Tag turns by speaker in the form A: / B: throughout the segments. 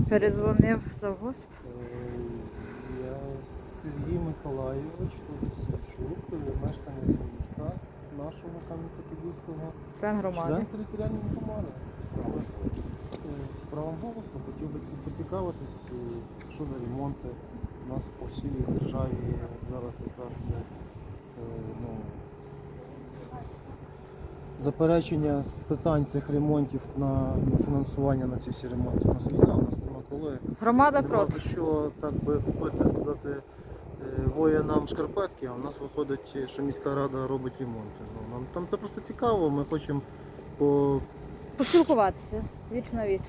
A: Передзвонив завгосп.
B: Я Сергій Миколайович, Савчук, мешканець міста нашого Кам'янця-Подільського,
A: Член громади.
B: член територіальної громади. З правом голосу хотів би поцікавитись, що за ремонти у нас по всій державі зараз якраз заперечення з питань цих ремонтів на фінансування на ці всі ремонти. У нас війна, у нас нема коли.
A: Громада
B: Нема
A: проти.
B: за що так би купити, сказати, воїнам шкарпетки, а у нас виходить, що міська рада робить ремонти. Нам там це просто цікаво, ми хочемо
A: Поспілкуватися віч на віч.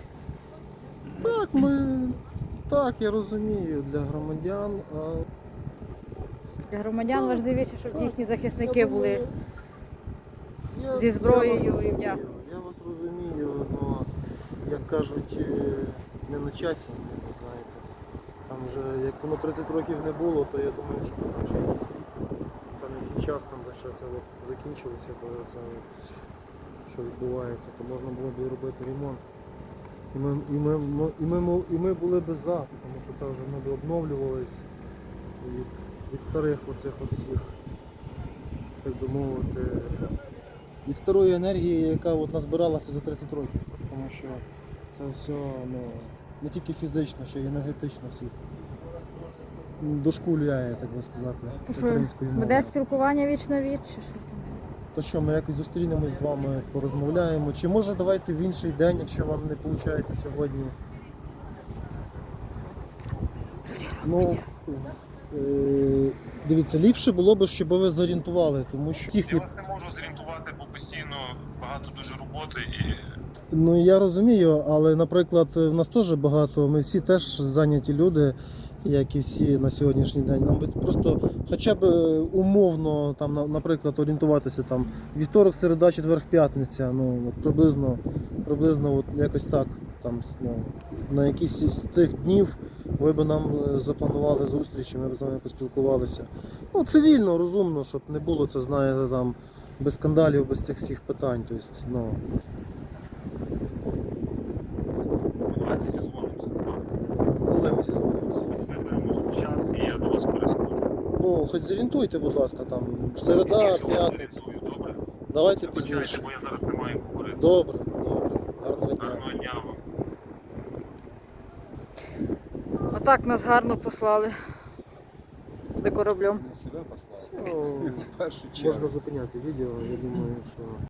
B: Так, я розумію, для громадян.
A: Для громадян важливіше, щоб їхні захисники
B: Я
A: були
B: думаю,
A: зі зброєю
B: я вас
A: і в дня.
B: розумію, Я вас розумію, але, як кажуть, не на часі, ви знаєте. Там вже, як воно 30 років не було, то я думаю, що там ще якийсь рік, там який час там ще це закінчилося, бо це що відбувається, то можна було б робити ремонт. І ми були б за, тому що це вже ми б обновлювалися від старих оцих от всіх, так би мовити, від старої енергії, яка от назбиралася за 30 років. Тому що це все не тільки фізично, ще й енергетично всіх дошкуляє, так би сказати, українською мовою.
A: Буде спілкування віч на віч? Чи що там?
B: То що, ми якось зустрінемось з вами, порозмовляємо. Чи може давайте в інший день, якщо вам не виходить сьогодні. Дивіться, ліпше було б, щоб ви зорієнтували, тому що всіх
C: Я вас не можу зорієнтувати, бо постійно багато дуже роботи і
B: Ну я розумію, але, наприклад, в нас теж багато, ми всі теж зайняті люди, як і всі на сьогоднішній день. Нам би просто хоча б умовно, там, наприклад, орієнтуватися там вівторок, середа, четвер, п'ятниця, от приблизно от якось так. Там, на якісь з цих днів ви б нам запланували зустрічі, ми б з вами поспілкувалися. Цивільно, розумно, щоб не було це, знаєте, там, без скандалів, без цих всіх питань. Тобто,
C: давайте зізвонимося.
B: Коли ми зізвонимося?
C: Знайдемо час і я до вас перескочу.
B: Хоч зорієнтуйте, будь ласка, там, середа, п'ятниця.
C: Добре?
B: Давайте
C: Вибачайте,
B: пізніше.
C: бо я зараз не маю говорити.
B: Добре. Гарного дня.
C: Гарного дня вам.
A: Отак нас гарно послали до кораблем.
D: Себе послав.
B: Можна зупиняти відео, я думаю, що...